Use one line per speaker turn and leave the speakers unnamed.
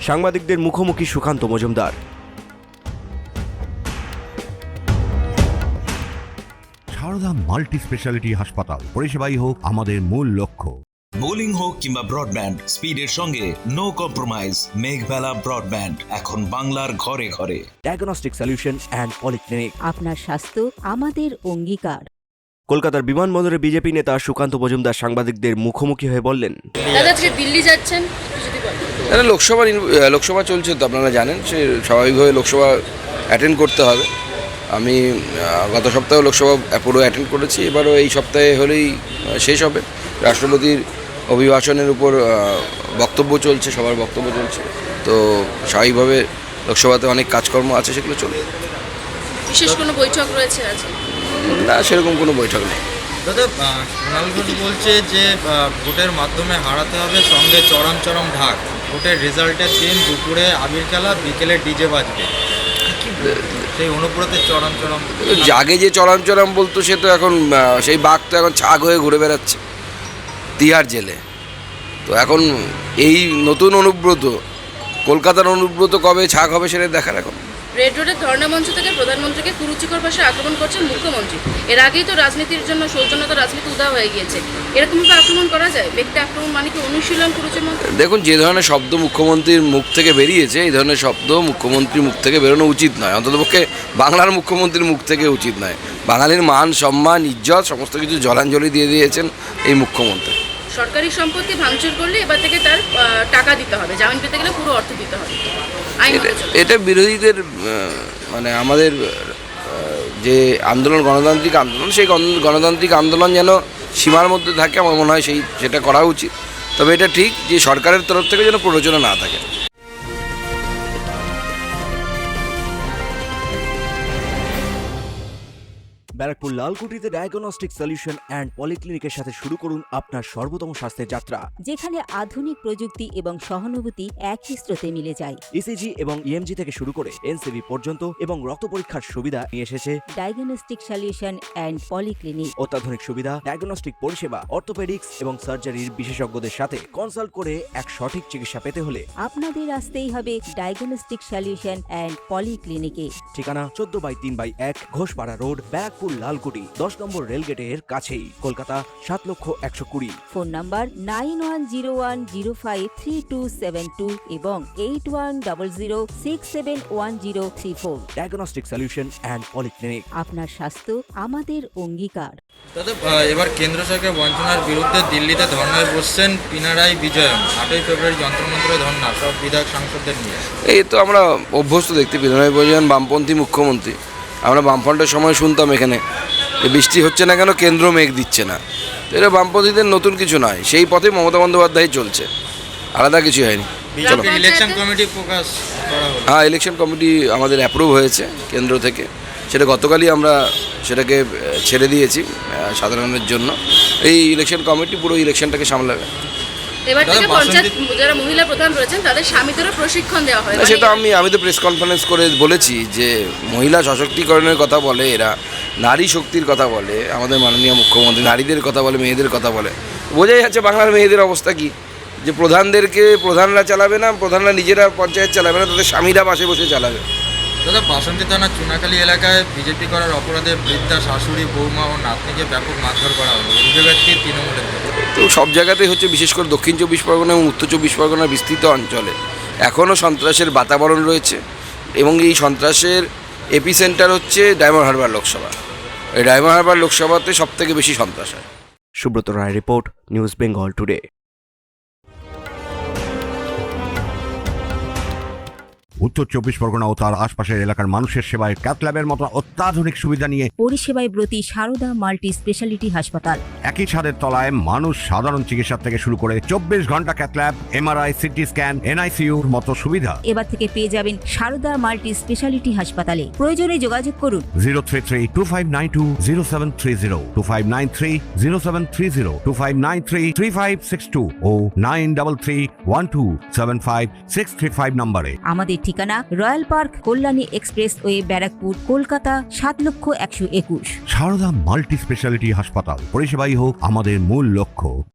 সাংবাদিকদের মুখোমুখি Sukanta Majumdar.
Sarada multi speciality হাসপাতাল, পরিষেবাই হোক আমাদের মূল লক্ষ্য।
বোলিং হোক কিংবা ব্রডব্যান্ড, স্পিডের সঙ্গে নো কম্প্রোমাইজ। মেঘবেলা ব্রডব্যান্ড এখন বাংলার ঘরে ঘরে।
Diagnostic solution and polyclinic.
আপনার স্বাস্থ্য আমাদের অঙ্গীকার।
কলকাতার বিমানবন্দরে বিজেপি নেতা সুকান্ত মজুমদার সাংবাদিকদের মুখোমুখি হয়ে বললেন,
দাদা আজকে দিল্লি যাচ্ছেন, যদি বলেন।
লোকসভা চলছে তো আপনারা জানেন, সে স্বাভাবিকভাবে লোকসভা অ্যাটেন্ড করতে হবে। আমি গত সপ্তাহে লোকসভা পুরো অ্যাটেন্ড করেছি, এবারও এই সপ্তাহে হলেই শেষ হবে। রাষ্ট্রপতির অভিভাষণের উপর বক্তব্য চলছে, সবার বক্তব্য চলছে, তো স্বাভাবিকভাবে লোকসভাতে অনেক কাজকর্ম আছে, সেগুলো চলবে।
বিশেষ কোনো বৈঠক রয়েছে আজকে?
না, সেরকম কোনো বৈঠক নেই।
দাদা, সোনাল ঘোষ বলছে যে ভোটের মাধ্যমে হারাতে হবে, সঙ্গে চরম চরম ঢাক। ভোটের রেজাল্টের দিন দুপুরে আবির খেলা, বিকেলে ডিজে বাজবে। সেই অনুব্রতের চরম চরম
আগে যে চরম চরম বলতো, সে তো এখন সেই বাঘ তো এখন ছাগ হয়ে ঘুরে বেড়াচ্ছে তিহার জেলে। তো এখন এই নতুন অনুব্রত, কলকাতার অনুব্রত কবে ছাগ হবে সেটা দেখার। এখন
রেড রোডের ধর্ণা মঞ্চ থেকে প্রধানমন্ত্রীকে কুরুচিকর ভাষায় আক্রমণ করছেন মুখ্যমন্ত্রী। এর আগেই তো রাজনীতির জন্য সৌজন্যতা রাজনীতি উদা হয়ে গিয়েছে। এরকমভাবে আক্রমণ করা যায়? ব্যক্তি আক্রমণ মানে কি অনুশীলন কুরুচির মধ্যে?
দেখুন, যে ধরনের শব্দ মুখ্যমন্ত্রীর মুখ থেকে বেরিয়েছে, এই ধরনের শব্দ মুখ্যমন্ত্রীর মুখ থেকে বেরোনো উচিত নয়, অন্ততপক্ষে বাংলার মুখ্যমন্ত্রীর মুখ থেকে উচিত নয়। বাঙালির মান, সম্মান, ইজ্জত সমস্ত কিছু জলাঞ্জলি দিয়ে দিয়েছেন এই মুখ্যমন্ত্রী।
সরকারি সম্পত্তি ভাঙচুর করলে এবার থেকে তার টাকা দিতে হবে, জামিন পেতে গেলে পুরো অর্থ দিতে হবে।
এটা বিরোধীদের মানে আমাদের যে আন্দোলন, গণতান্ত্রিক আন্দোলন, সেই গণতান্ত্রিক আন্দোলন যেন সীমার মধ্যে থাকে, আমার মনে হয় সেটা করা উচিত। তবে এটা ঠিক যে সরকারের তরফ থেকে যেন প্ররোচনা না থাকে।
ব্যারাকপুর লালকুটিতে ডায়াগনস্টিক সলিউশন অ্যান্ড পলিক্লিনিকের সাথে শুরু করুন আপনার সর্বোত্তম স্বাস্থ্যের যাত্রা,
যেখানে আধুনিক প্রযুক্তি এবং সহানুভূতি একই স্রোতে মিলে যায়।
ইসিজি এবং ইএমজি থেকে শুরু করে এনসিবি পর্যন্ত এবং রক্ত পরীক্ষার সুবিধা নিয়ে এসেছে
ডায়াগনস্টিক সলিউশন অ্যান্ড পলিক্লিনিক।
অত্যাধুনিক সুবিধা, ডায়াগনস্টিক পরিষেবা, অর্থোপেডিক্স এবং সার্জারির বিশেষজ্ঞদের সাথে কনসাল্ট করে এক সঠিক চিকিৎসা পেতে হলে
আপনাদের আসতেই হবে ডায়াগনস্টিক সলিউশন অ্যান্ড পলিক্লিনিকে।
ঠিকানা 14/3/1 ঘোষপাড়া রোড, ব্যারাকপুর লালকুটি, 10 নম্বর রেলগেটের কাছেই, কলকাতা 7,120,000।
ফোন নাম্বার 9101053272 এবং 8100671034।
Diagnostic solution and polyclinic.
আপনার স্বাস্থ্য আমাদের অঙ্গীকার।
দাদা, এবার কেন্দ্র সরকার বঞ্চনার বিরুদ্ধে দিল্লিতে ধর্নায় বসছেন পিনারাই বিজয়ন। 8ই ফেব্রুয়ারি যন্ত্রমন্ত্রে ধর্না, সব বিধায়ক সাংসদদের নিয়ে।
এই তো আমরা অভ্যস্ত দেখতে, পিনারাই বিজয়ন বামপন্থী মুখ্যমন্ত্রী। আমরা বামফ্রন্টের সময় শুনতাম এখানে যে বৃষ্টি হচ্ছে না কেন, কেন্দ্র মেঘ দিচ্ছে না। তো এটা বামপন্থীদের নতুন কিছু নয়, সেই পথে মমতা বন্দ্যোপাধ্যায় চলছে, আলাদা কিছু হয়নি।
বিজেপির ইলেকশন কমিটি প্রকাশ করা হলো।
হ্যাঁ, ইলেকশন কমিটি আমাদের অ্যাপ্রুভ হয়েছে কেন্দ্র থেকে, সেটা গতকালই আমরা সেটাকে ছেড়ে দিয়েছি সাধারণের জন্য। এই ইলেকশন কমিটি পুরো ইলেকশনটাকে সামলাবে।
এবার থেকে পঞ্চায়েত যারা মহিলা প্রধান রয়েছেন তাদের স্বামীদেরও প্রশিক্ষণ দেওয়া হয়।
সেটা আমি তো প্রেস কনফারেন্স করে বলেছি যে মহিলা সশক্তিকরণের কথা বলে এরা, নারী শক্তির কথা বলে আমাদের মাননীয় মুখ্যমন্ত্রী, নারীদের কথা বলে, মেয়েদের কথা বলে। বোঝাই যাচ্ছে বাংলার মেয়েদের অবস্থা কি, যে প্রধানরা চালাবে না, প্রধানরা নিজেরা পঞ্চায়েত চালাবে না, তাদের স্বামীরা পাশে বসে চালাবে।
দাদা, বাসন্তী থানার চুনাখালী এলাকায় বিজেপি করার অপরাধে বৃদ্ধা শাশুড়ি, বৌমা ও নাতনিকে ব্যাপক মারধর করা হলো। অভিযোগটি তৃণমূলের।
তো সব জায়গাতেই হচ্ছে, বিশেষ করে দক্ষিণ 24 পরগনা এবং উত্তর 24 পরগনার বিস্তৃত অঞ্চলে এখনও সন্ত্রাসের বাতাবরণ রয়েছে, এবং এই সন্ত্রাসের এপিসেন্টার হচ্ছে ডায়মন্ড হারবার লোকসভা। এই ডায়মন্ড হারবার লোকসভাতে সবথেকে বেশি সন্ত্রাস হয়।
Subrata Roy report, news Bengal today.
উত্তর 24 পরগনা ও তার আশপাশের এলাকার মানুষের সেবায় ক্যাথল্যাবের মতো অত্যাধুনিক সুবিধা নিয়ে
পরিষেবায় ব্রতী সারদা মাল্টি স্পেশালিটি হাসপাতাল।
একই ছাদের তলায় মানুষ সাধারণ চিকিৎসা থেকে শুরু করে 24 ঘন্টা ক্যাথল্যাব, এমআরআই, সিটি স্ক্যান, এনআইসিইউর মতো সুবিধা
এবার থেকে পেয়ে যাবেন সারদা মাল্টি স্পেশালিটি হাসপাতালে। প্রয়োজনে যোগাযোগ করুন
033-2592-0730, 2593-0730, 2593-3562 ও 9331275635 নম্বরে।
আমাদের ঠিকানা royal park, Kalyani expressway, Barrackpore, Kolkata 7,121,000।
Sarada multi speciality হাসপাতাল, পরিষেবাই হোক আমাদের মূল লক্ষ্য।